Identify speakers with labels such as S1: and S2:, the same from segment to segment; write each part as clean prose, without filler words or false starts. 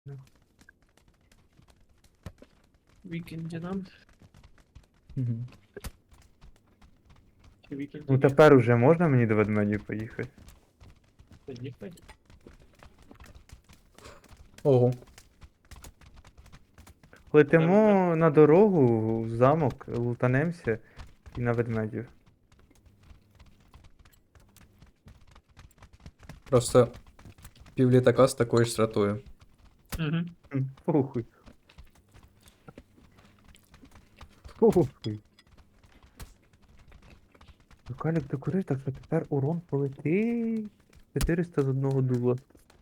S1: Вікінді нам.
S2: Мгм.
S1: Чи вікінді
S3: Ну тепер уже можна мені до ведмедів поїхати?
S1: Поїхали.
S2: Ого.
S3: Летимо на дорогу, в замок, лутанемося і на ведмедів.
S2: Просто півлітака з такою ж стратою.
S1: Угу.
S3: Похуй. Похуй. Калік докурив, так що тепер урон полетить. 400 з одного дула.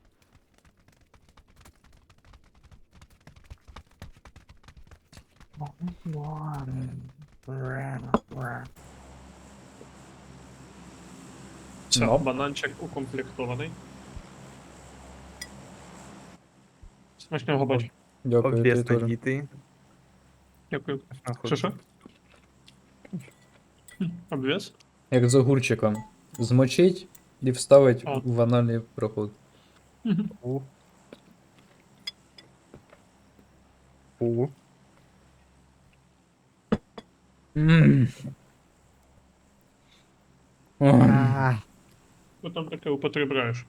S1: Все,
S2: Ну.
S1: бананчик укомплектований. Смачного бачу.
S2: Дякую, ти
S3: Обвісно
S2: теж.
S3: діти.
S1: Дякую.
S3: Нахуй.
S1: Що? Обвес?
S2: Як з огурчиком. Змочить і вставить
S1: А.
S2: в анальний проход.
S3: У. У.
S2: Ммм.
S1: Що там таке употребляєш?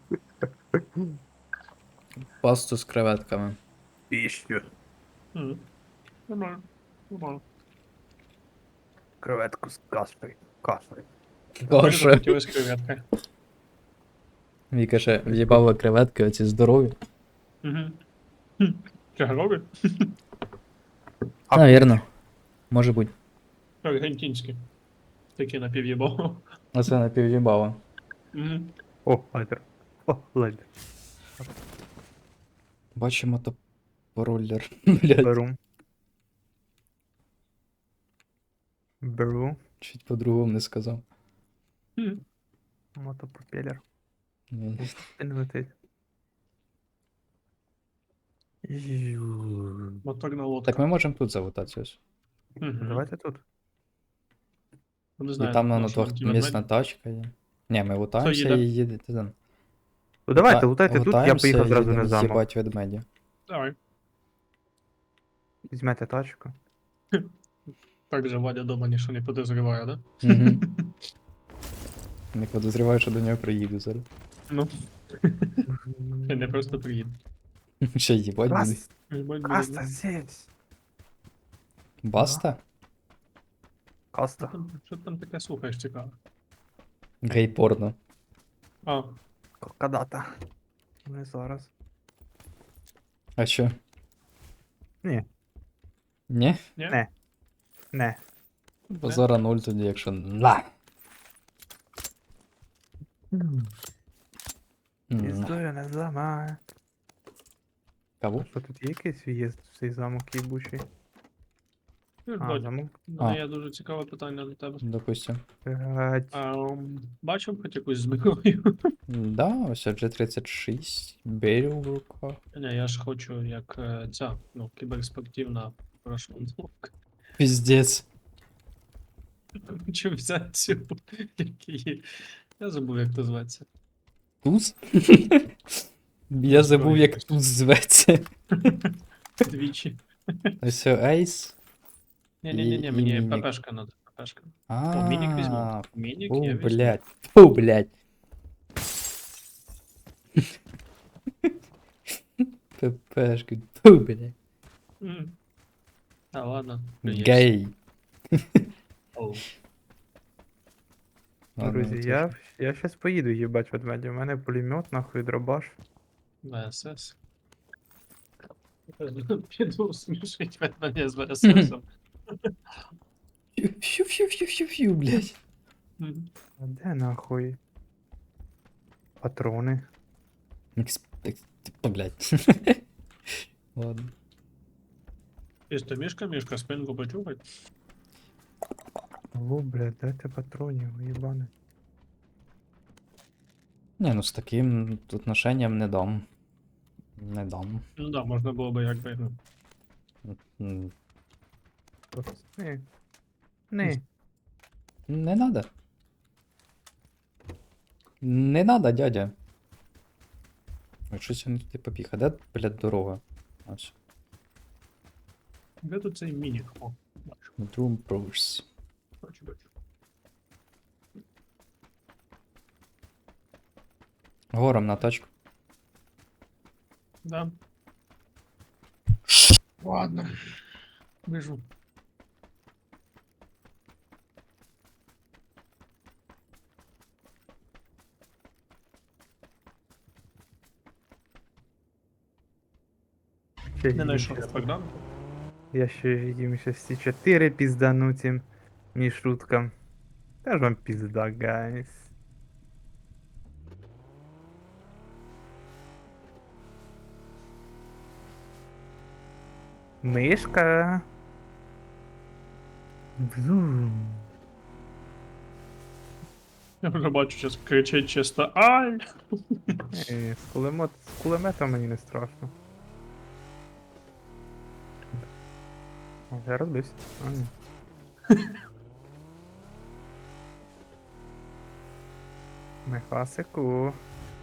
S2: Пасту з креветками.
S3: Піщу.
S1: Нормально. Нормально.
S3: Креветку з кашею. Кашею.
S2: Каша.
S1: Захотілось креветки.
S2: Віка ще в'їбала креветки, оці здорові.
S1: Угу. Чи горові?
S2: Навірно. Може бути.
S1: Аргентинські. Такі напів'єбо.
S2: А це напів'їбало.
S1: Угу.
S3: О, лайдер. О, лайдер.
S2: Бачимо топороллер. Блядь.
S3: Беру. Беру.
S2: Чуть по-другому не сказав.
S3: Мотопропелер.
S2: Ні.
S3: Він летить.
S1: Моторна лодка.
S2: Так ми можемо тут залутати ось.
S1: Угу.
S3: Давайте тут.
S1: Не
S2: І
S1: знаю,
S2: там на
S1: на що
S2: двохмісна тачка є. Ні, ми лутаємося
S1: їде?
S2: і їдете там.
S3: Ну давайте, лутайте тут, я поїхав зразу на
S2: їдемо
S3: замок.
S2: з'їбать ведмедя.
S1: Давай.
S3: Візьмете тачку.
S1: Так же Вадя дома нічого не подозріває, да?
S2: Угу. Не подозріваю, що до нього приїду зараз.
S1: Ну, я не просто приїду.
S2: Ще їбать буде.
S1: Їбать буде,
S3: Каста
S1: да?
S3: здесь.
S2: Баста?
S1: Що
S3: Каста.
S1: що там таке слухаєш цікаво?
S2: Гей-порно.
S1: А,
S3: Когда-то. Не зараз.
S2: А що?
S3: Ні.
S2: Ні?
S1: ні?
S3: Не. Не.
S2: Бо зараз 0 тоді, якщо на.
S3: Історія не зламає.
S2: Кого?
S3: Що тут є якийсь в'їзд в цей замок їбучий? А,
S1: Вадя,
S3: замок.
S1: у мене є дуже цікаве питання до тебе.
S2: Допустим.
S3: Блядь.
S1: Бачив хоч якусь зброю?
S2: Да, ось G36, беріл в руках.
S1: Ні, я ж хочу як ця, ну, кіберспортивна прошмандовка.
S2: Піздець.
S1: Хочу взяти цю, який... Я забув, як то зветься.
S2: Туз? Я забув, як туз зветься.
S1: Двічі.
S2: Ось Ейс.
S1: Ні-ні-ні,
S2: І
S1: мені
S2: мінік.
S1: ППшка надо, ППшка.
S2: А,
S1: О, мінік візьму. Мінік
S2: Фу,
S1: я візьму.
S2: блядь. Фу, блядь. ППшка. Фу, блядь.
S1: М. А, ладно. приїзд.
S2: Гей.
S1: Оу.
S2: Ладно,
S3: Друзі,
S2: це
S3: я щас поїду їбать ведмедя. У мене пулемет, нахуй дробаш.
S1: ВСС. Піду смішить від мене з ВССом.
S2: Фью-фью-фью-фью-фью, блядь.
S1: Мгм.
S3: А де нахуй? Патрони.
S2: Блядь. Ладно.
S1: Чисто мішка, спинку почухай.
S3: О, блядь, дайте патронів, їбане.
S2: Не, ну з таким тут ношенням не дам. Не дам.
S1: Ну да, можна було би якби, ну.
S2: М,
S3: Ні. Ні.
S2: Не надо. Не надо, дядя. Ой, щось він туди побіг. А де, блядь, дорога? Ось.
S1: Де тут цей мінік? О, бачу,
S2: Bedroom Pros.
S1: бачу, бачу.
S2: Гором на тачку.
S1: Да. Ладно. Вижу.
S3: Ще
S1: Не
S3: їм
S1: знайшов
S3: щас-
S1: Богдан.
S3: Я ще їм ще всі 4 піздану цим мішуткам. Та ж вам пізда, гайс. Мишка. Бзум.
S1: Я вже бачу, зараз кричить чисто ай!
S3: З кулемета мені не страшно. О, я розбився. А, ні. Мехасику.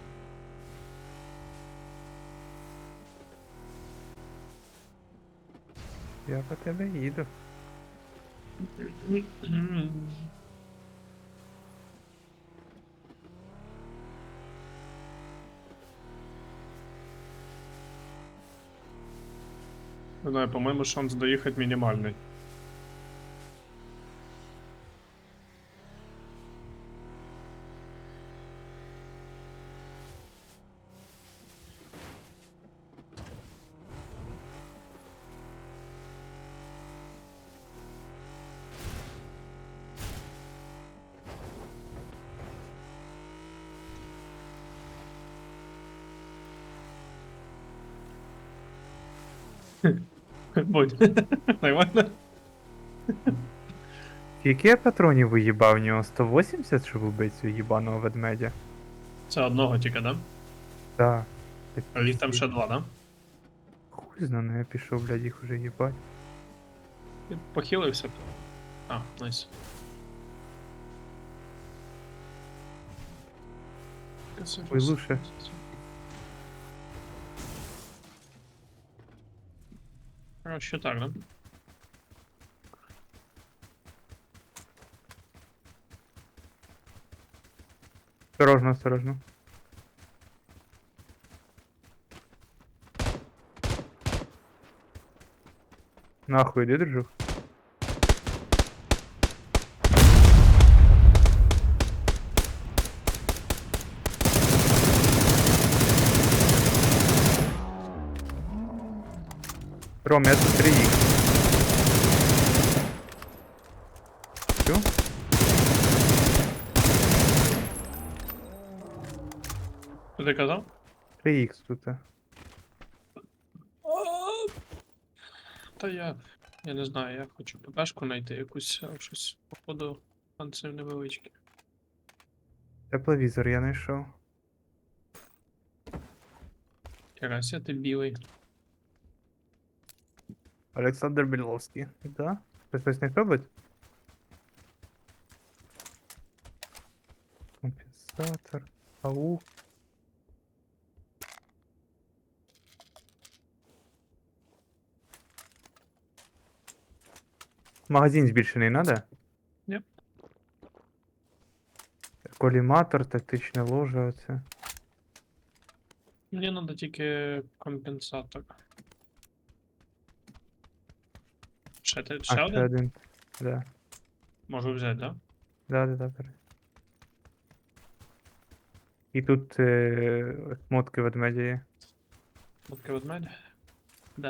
S3: Я по тебе їду.
S1: Не знаю, по-моєму, шанс доїхати мінімальний. Будь. Нормально?
S3: Скільки я патронів виїбав в нього? 180, щоб вбити цього їбаного ведмедя?
S1: Це одного тільки, да?
S3: Да.
S1: А їх там ще два, да?
S3: Хуй знає, я пішов, блядь, їх уже їбать.
S1: І похилився. А, найс.
S3: Ой, лучше.
S1: Короче, так, да?
S3: Осторожно, осторожно. Нахуй, иди, дружок. Ром, я тут 3х. Чё?
S1: Що ти казав?
S3: 3х тут.
S1: Та я не знаю, я хочу ППшку знайти якусь, щось, походу, панцир невеличкий.
S3: Тепловізор я знайшов.
S1: Карася, ти білий.
S3: Олександр Біловський. Да? Хтось не робить? Компенсатор. Ау. Магазин збільшений надо?
S1: Ні.
S3: Коліматор, тактичне ложе, оце.
S1: Мені треба тільки компенсатор. Ще,
S3: А,
S1: ще
S3: ще
S1: один?
S3: один. Да.
S1: Можу взяти, да?
S3: Да. Бери. І тут мотки ведмедя є.
S1: Мотки ведмедя? Да.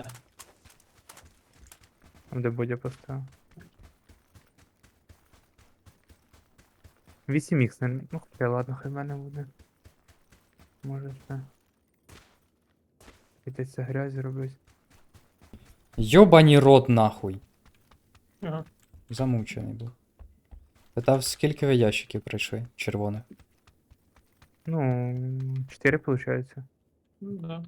S3: Там де Бодя поставив. 8х, не... Ну хоча ладно, хай в мене буде. Може ще. Йдеться грязь робить.
S2: Йобані рот нахуй.
S1: Ага.
S2: Замучений був. Питав, скільки ви ящиків прийшли червоних?
S3: Ну, 4 получается.
S1: Ну, да.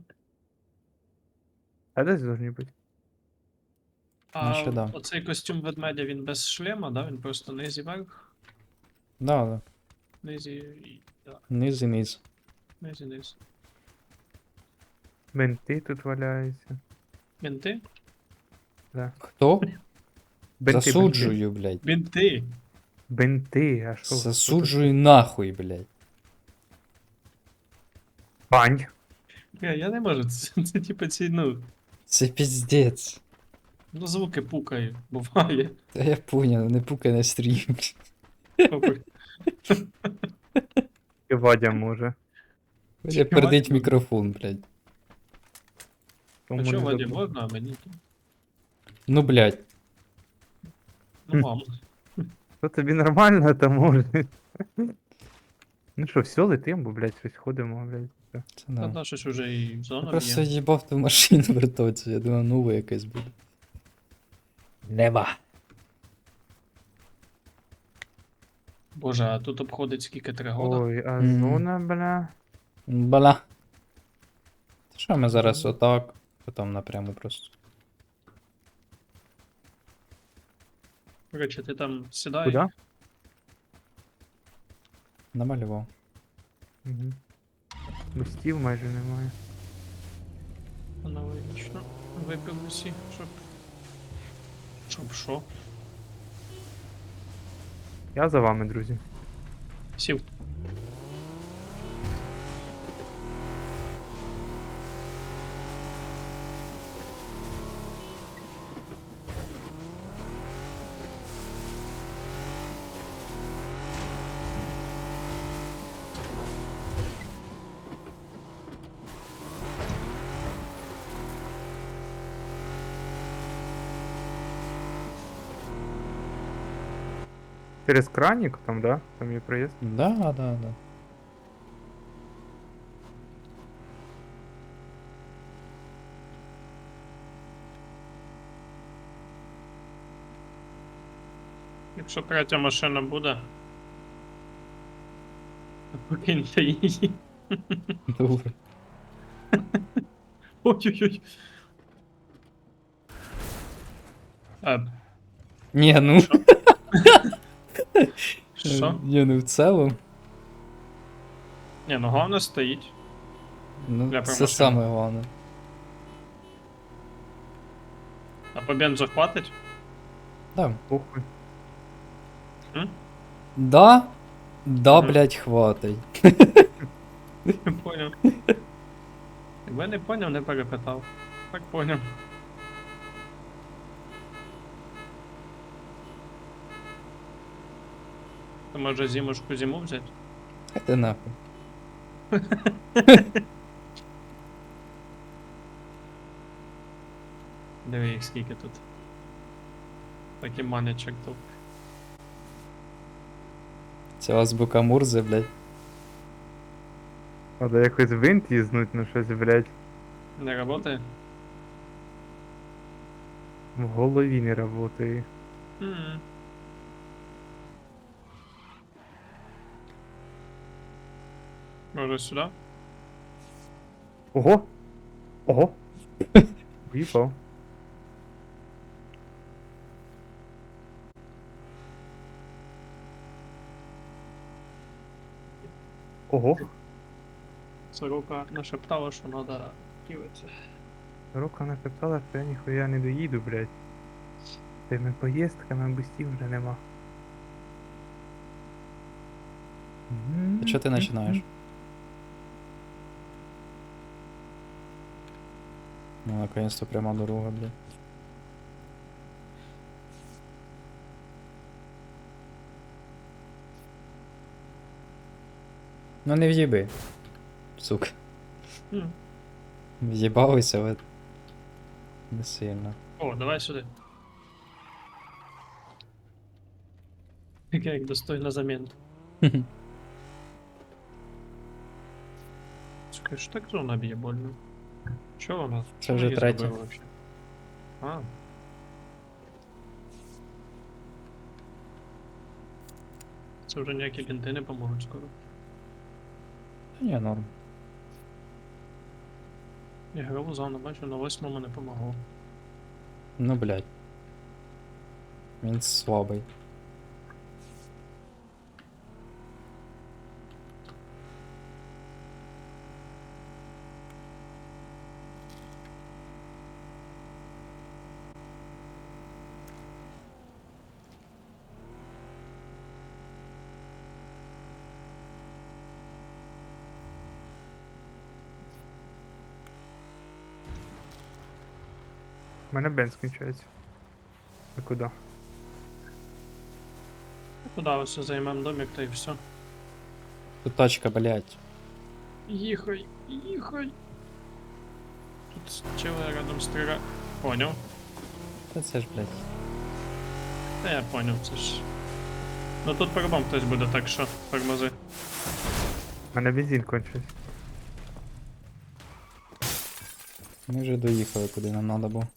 S3: А десь должны бути.
S1: А
S2: Наче да.
S1: оцей костюм ведмедя, він без шлема, да? Він просто низ і верх,
S2: Да.
S1: низ і... Да,
S2: Низ і низ.
S1: низ і низ.
S3: Бенти тут валяються.
S1: Бінти?
S2: Хто?
S3: Бенти.
S2: Засуджую, блядь.
S1: Бінти!
S3: Бенти, а що?
S2: Засуджую нахуй, блядь.
S3: Бань.
S1: Я не можу, це типу ці, ну,
S2: Це піздець.
S1: ну звуки пукають, буває.
S2: Та я поняв, не пукай на стрім.
S1: Пукай.
S3: І Вадя може.
S2: Вадя
S1: Вадя
S2: пердить
S1: може.
S2: мікрофон, блядь.
S3: Тому
S1: А чого
S3: не
S1: Ваді
S3: забув.
S1: можна, а мені? ні?
S2: Ну, блядь.
S1: Ну вам.
S3: То тобі нормально, то може. Ну що, все, летим, бо, блядь, щось ходимо, блядь. все.
S2: Це
S1: Та
S2: да.
S1: да, щось уже і
S2: Я
S1: зона
S2: просто
S1: б'є.
S2: їбав ту машину вертоці, я думав, нове якесь буде. Нема.
S1: Боже, а тут обходить скільки 3 года?
S3: Ой, а
S2: Мгм.
S3: зона, бля.
S2: Бля. Та що ми зараз отак, потім напряму просто.
S1: Короче, ти там сідай.
S3: Куда?
S2: Намалював.
S3: Угу. Мостів майже немає.
S1: Аналогічно. Випив усі, щоб. Щоб що?
S3: Я за вами, друзі.
S1: Сів.
S3: Через краник там, да? Там є проїзд.
S2: Да, да, да.
S1: Якщо третя машина буде. то покиньте її.
S2: Добре.
S1: Ой-ой-ой.
S2: Ні, ну.
S1: Що? Що?
S2: Ні, ну в цілому.
S1: Ні, ну головне стоїть.
S2: Ну,
S1: Для
S2: це
S1: промашини.
S2: саме головне.
S1: А по бензу хватить?
S2: Да.
S3: Похуй.
S2: Да? Да,
S1: Мгм.
S2: блядь, хватить.
S1: Не поняв. Якби не поняв, не перепитав. Так поняв. То може зимушку зиму взяти?
S2: Хай ти нахуй.
S1: Диви їх скільки тут. Такі манячок тут.
S2: Це азбука Мурзи, блядь.
S3: Треба якось винт їзнуть на щось, блядь.
S1: Не работає?
S3: В голові не работає.
S1: М. Може сюди?
S3: Ого! Ого! В'їхав. Ого!
S1: Сорока нашептала, що треба киватися.
S3: Рука нашептала, що я ніхуя не доїду, блядь. Тими поїздками бустів вже нема.
S2: А чого ти починаєш? Ну, наконец-то пряма дорога, блядь. Ну не в'їби. Сука.
S1: М.
S2: В'їбалися, але не сильно.
S1: О, давай сюди. Таке як достойна заміна. Сука, що так зона б'є больно? Що вона?
S2: Це вже третя.
S1: Вообще? А. Це вже ніякі бінти не поможуть скоро.
S2: Ні, норм.
S1: Я граву зону бачу, на 8-му не помогло.
S2: Ну, блядь. Він слабий.
S3: У мене бенз скінчається. А куди?
S1: Куди ось займемо домик та й все.
S2: Тут тачка, блядь.
S1: Їхай, їхай. Тут чили рядом стріляє. Поняв?
S2: Та це ж, блядь.
S1: Та я поняв, це ж. Ну тут по-любому хтось буде, так що тормози.
S3: У мене бензин кончився.
S2: Ми вже доїхали, куди нам надо було.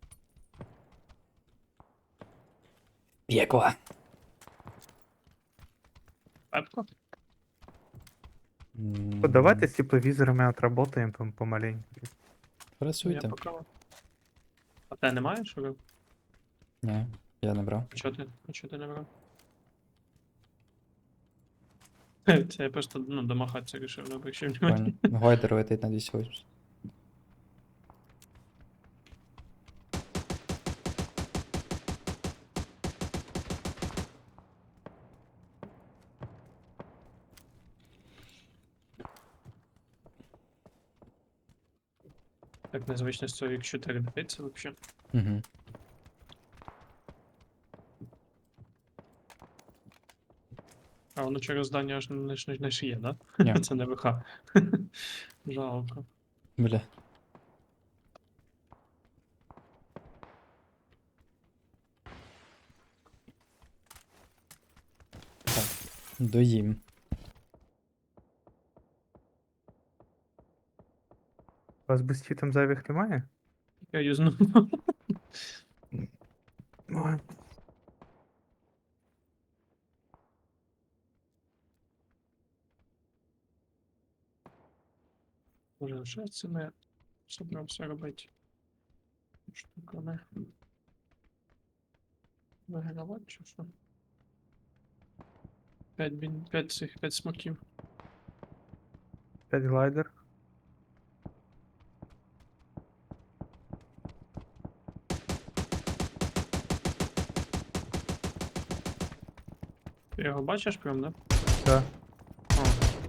S2: Пекло.
S1: Пепко?
S3: От давайте з тепловізорами отработаємо помаленьку.
S1: Я
S2: Працюйте.
S1: поки. А те немає, що ви?
S2: Ні, я не брав.
S1: А чого ти не брав? Це я просто, ну, домахатися рішив, не обращав внимання.
S2: Понял. Гойдер летить на 280.
S1: Так незвично з цього X4 дивиться вообще.
S2: Угу.
S1: А воно через здання аж не шиє, да?
S2: Ні.
S1: Це не ВХ. Жалко.
S2: Бля. Так, доїм.
S3: У вас бустів там зайвих немає?
S1: Я юзну.
S3: Ой.
S1: Може, ще це не собрався робити. Штуками. Вигравати чи що? 5 смоків.
S3: 5 глайдер.
S1: Ти його бачиш прям, да?
S3: Да.
S1: О.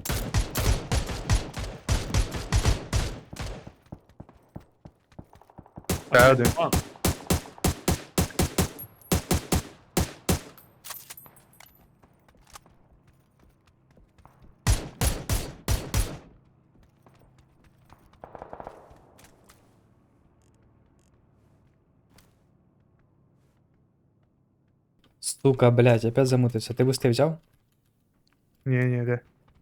S3: Та один.
S1: А,
S2: Сука, блядь, опять замутився. Ти бусти взяв?
S3: Ні, де.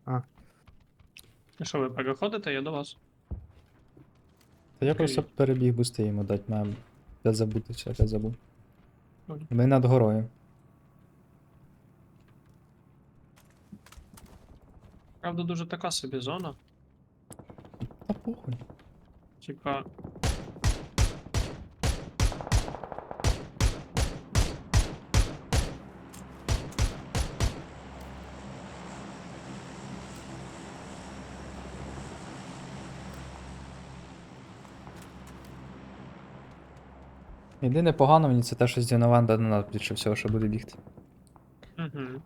S1: і що ви переходите, я до вас.
S2: Та я
S1: Окей.
S2: просто перебіг бусти йому дать, мав. Опять забутився, опять забув.
S1: Понял.
S2: Ми над горою.
S1: Правда, дуже така собі зона.
S2: Та похуй.
S1: Типа.
S2: Єдине погано мені це те, що з Дінованда на нас більше всього, що буде бігти.
S1: Угу.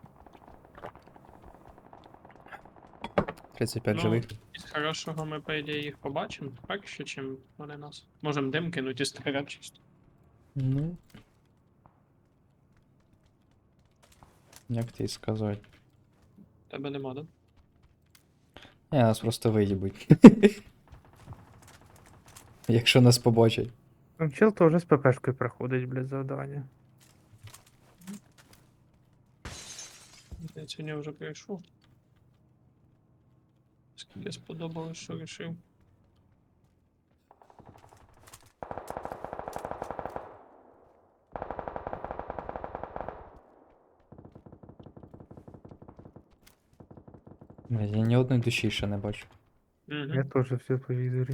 S2: 35
S1: Ну,
S2: живих.
S1: із хорошого ми, по ідеї, їх побачимо, так ще, чим вони нас. Можемо дим кинуть і стріляти чисто.
S2: Ну. Як ти сказати?
S1: Тебе нема, да?
S2: Ні, нас просто виїбуть. Якщо нас побачать.
S3: Там чел теж з ППшкою проходить, блядь, завдання.
S1: Я сьогодні вже прийшов. Скільки сподобалось, що рішив.
S2: Блядь, я ні одної душі ще не бачу.
S3: Я
S1: Угу.
S3: теж все по візорі.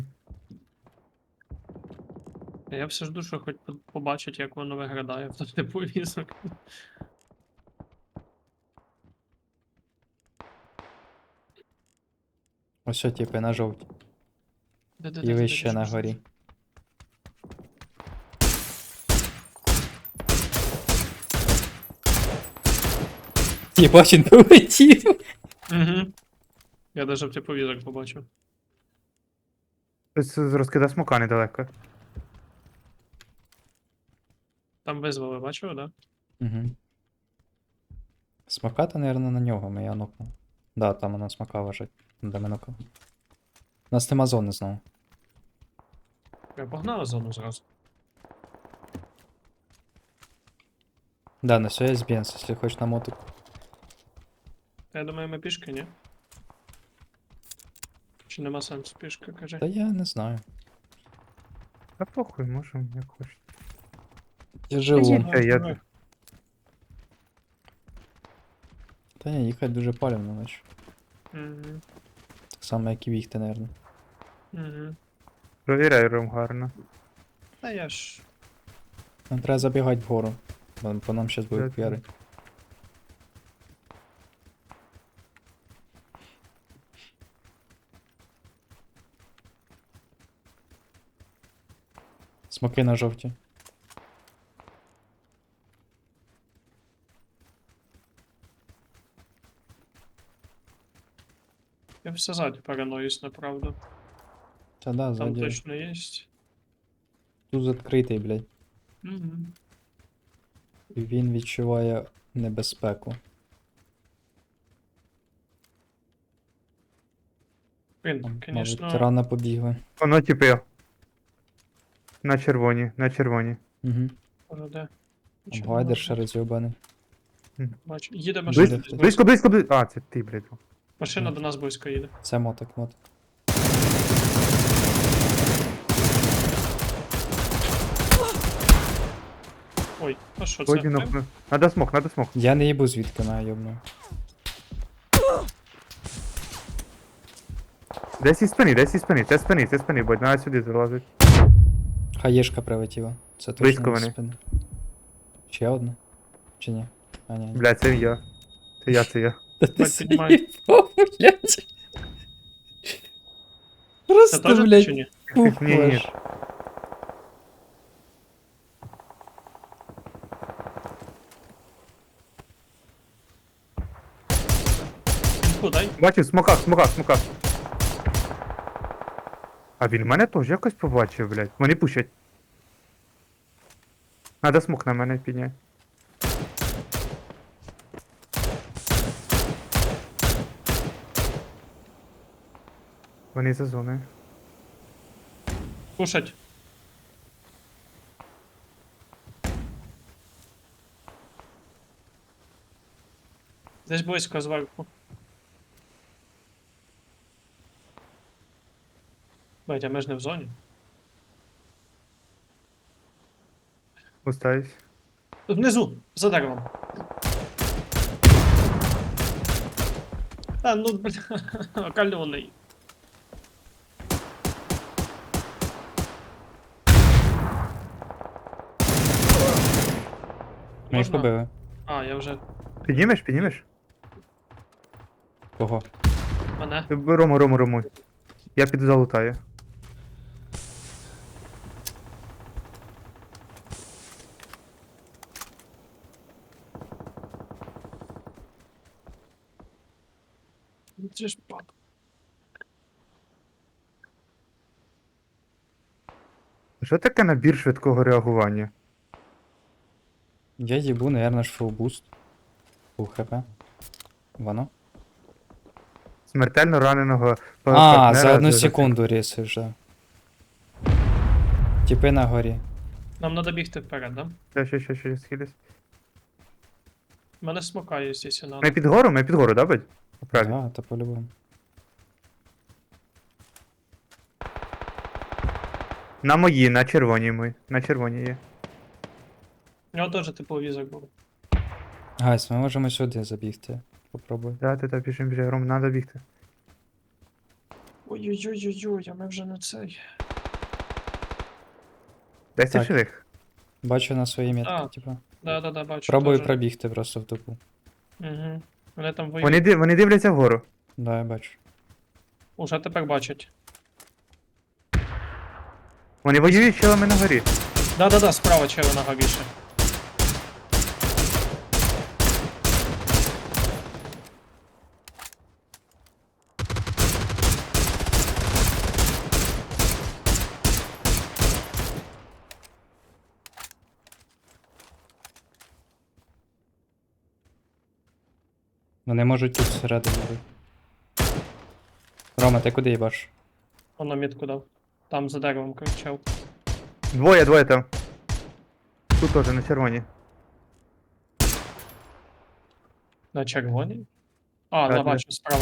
S1: Я все жду, що хоч побачить, як воно виглядає в типу візок.
S2: Ось що, типи, на жовті. І
S1: Де-де-де-де-де,
S2: вище на
S1: що?
S2: горі. Єбать, він полетів.
S1: Угу. Я даже в тепловізор побачив.
S3: Ось з розкида смока недалеко.
S1: Там визвали, бачив, да?
S2: Угу. Смаката, наверное, на нього, я нокнув. Да, там вона смака лежить. Де ми нокнули. У нас нема зони знову.
S1: Я погнали зону зразу.
S2: Да, на все є Бенз, якщо хочеш на мотик.
S1: Я думаю, ми пішки, ні? Чи нема сенсу пішки, кажи.
S2: Та я не знаю.
S3: Та похуй, можемо, як хочете.
S2: Я живу.
S3: Ні, я-
S1: Давай.
S2: Та ні, їхати дуже палівно, наче.
S1: Мгм.
S2: Так само, як і бігти, наверное.
S1: Мгм.
S3: Провіряй ром гарно.
S1: Та я ж.
S2: Нам треба забігати вгору. Бо по нам зараз
S3: Да,
S2: будуть
S3: да.
S2: п'яри. Смоки на жовті.
S1: Я все ззаді параноюсь, направду.
S2: Та да,
S1: Там
S2: ззаді.
S1: точно є.
S2: Тут відкритий, блядь.
S1: Угу.
S2: І він відчуває небезпеку.
S1: Він,
S2: Мабуть,
S1: звісно,
S2: рано побігли.
S3: Воно типи. На червоні, на червоні.
S2: Угу.
S1: може де.
S2: Там глайдер ще розйобаний.
S1: Бачу. Їде машина.
S2: Близько,
S1: десь
S3: Близько, близько, близько. А, це ти, блядь.
S1: Машина до нас близько їде.
S2: Це мотик, мотик.
S1: Ой, а що це?
S3: Ой, нокну. Надо смок, надо смок.
S2: Я не їбу звідки на йобну.
S3: Десь із спини, десь із спини. Це спини, бо надо сюди залазить.
S2: Хаєшка прилетіла. Це точно
S3: Близько
S2: не
S3: вони.
S2: спини. Ще одна? Чи ні? А, ні.
S3: Блядь, це я. Це я.
S2: Та ти
S1: Бать, піднімай.
S2: заїбав, блядь.
S1: Це
S2: Просто,
S1: теж ти
S2: блядь,
S1: чи ні?
S3: Ні, ні.
S2: пухлеш.
S1: Інфу дай.
S3: Бачив, смоках, смоках, смоках. А він мене теж якось побачив, блядь. Вони пушать. Надо смок на мене підняти. Вони за зоною.
S1: Кушать. Десь близько зверху. Бать, а ми ж не в зоні.
S3: Устаюсь.
S1: Тут внизу, за деревом. Та ну, бля, кальоний.
S2: Ми їх
S1: Можна?
S2: побили.
S1: А, я вже.
S3: Піднімеш, піднімеш?
S2: Кого?
S1: Мене.
S3: Рому. Я піду залутаю.
S1: Це ж пап.
S3: Що таке набір швидкого реагування?
S2: Я їбу, наверное, ж full boost. Full хп. Воно?
S3: Смертельно раненого
S2: А,
S3: партнера
S2: за одну
S3: за-
S2: секунду ріси вже. Тіпи на горі.
S1: Нам треба бігти вперед, да?
S3: Ще, схилюсь.
S1: У мене смокає, якщо надо.
S3: Ми під гору, да, бать? Правильно.
S2: Да, та по-любому.
S3: На мої, на червоній ми. На червоній є.
S1: У нього теж тепловізор був.
S2: Гайс, ми можемо сюди забігти. Попробуй.
S3: Да, ти біжим, Ром, надо бігти.
S1: Ой-ой-ой-ой-ой, а ми вже не цей.
S3: Десь
S2: Так.
S3: живих.
S2: Бачу на своїй метці,
S1: А.
S2: типа.
S1: Да, бачу.
S2: Пробую
S1: теж.
S2: пробігти просто в тупу.
S1: Угу. Вони там воюють.
S3: Вони дивляться вгору.
S2: Да, я бачу.
S1: Уже тепер бачать.
S3: Вони воюють з челами на горі.
S1: Да, справа червона більше.
S2: Вони можуть тут всередині бути. Рома, ти куди їбаш?
S1: Воно мітку дав. Там за деревом кричав.
S3: Двоє там. Тут теж на червоній.
S1: На червоній? А,
S3: Так,
S1: да, бачу, справа.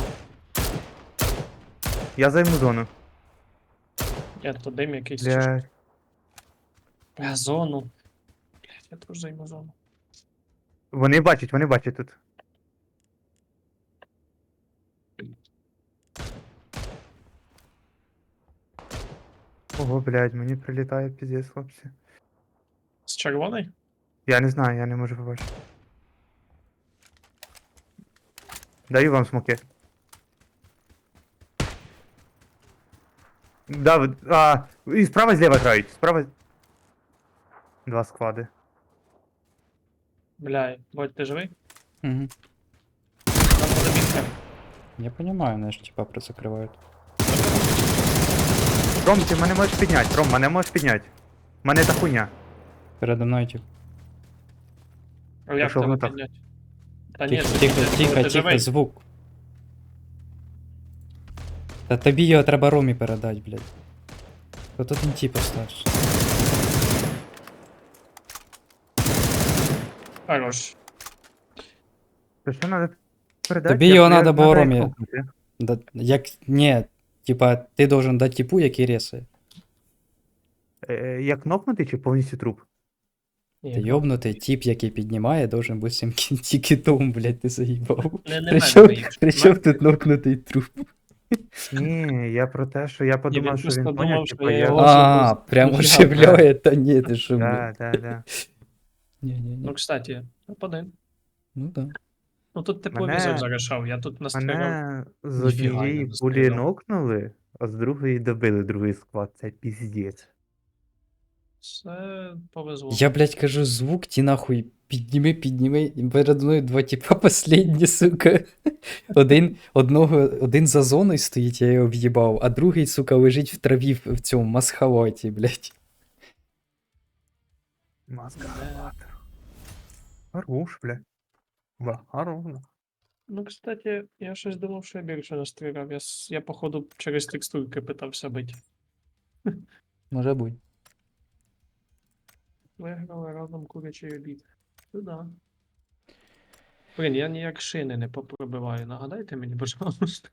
S3: Я займу зону.
S1: Я то дим якийсь чи що.
S3: Блядь.
S1: Бля, зону. Блядь, я теж займу зону.
S3: Вони бачать тут. Ого, блядь, мені прилітає піздець, хлопці.
S1: З червоної?
S3: Я не знаю, я не можу побачити. Даю вам смоки. Да, і справа і зліва грають. Справа. Два склади.
S1: Бля, Бодь, ти живий?
S2: Угу.
S1: Там буде мітка.
S2: Я понимаю, вони ж типа призакривають.
S3: Ром, ти мене можеш підняти. Ром, мене можеш підняти. Мене та хуйня.
S2: Передо мною тип.
S1: А як
S3: що
S1: тебе
S3: воно так?
S1: підняти? Та ні,
S2: Тихо,
S1: це
S2: тихо,
S1: підняти,
S2: тихо,
S1: коли ти
S2: тихо,
S1: живий.
S2: звук. Та тобі його треба Ромі передати, блядь. То тут він типа остався.
S1: Хорош.
S3: То що треба передати?
S2: Тобі його надо
S3: надо
S2: було
S3: їх
S2: Ромі.
S3: нокнути.
S2: Да, як. Ні, типа, ти должен дати типу, який ресає.
S3: Як нокнути чи повністю труп?
S2: Ти йобнутий тип, який піднімає, должен бути цим кітом, блядь, ти заїбав.
S1: Не мене
S2: Причому,
S1: боїш.
S2: причому тут нокнутий труп.
S3: Ні, я про те, що я подумав,
S1: він
S3: що він
S1: просто
S3: поняв,
S1: думав, що
S3: типа,
S1: я
S3: я...
S1: його-
S2: А, прям
S1: Ніфіга,
S2: оживляє, та ні, ти що, блядь.
S3: Да.
S2: Ні-ні-ні.
S1: Ну, кстати, напади.
S2: Ну да.
S1: Ну тут тепловізор
S3: Мене-
S1: зарішав, я тут настріляв.
S3: Мене з
S1: Ніфіга я
S3: однієї
S1: не
S3: пулі
S1: стріляв.
S3: нокнули, а з другої добили другий склад. Це піздець.
S1: Це повезло.
S2: Я, блядь, кажу, звук, ті нахуй, підніми, і передо мною два типа последні, сука. Один за зоною стоїть, я його в'їбав, а другий, сука, лежить в траві в цьому масхалаті, блядь.
S3: Маска. Хорош, бля. Хорош.
S1: Ну, кстати, я щось думав, що я більше настріляв. Я походу, через текстурки питався бити.
S2: Може бути.
S1: Виграли разом курячий обід. Ну да. Блін, я ніяк шини не попробиваю. Нагадайте мені, пожалуйста.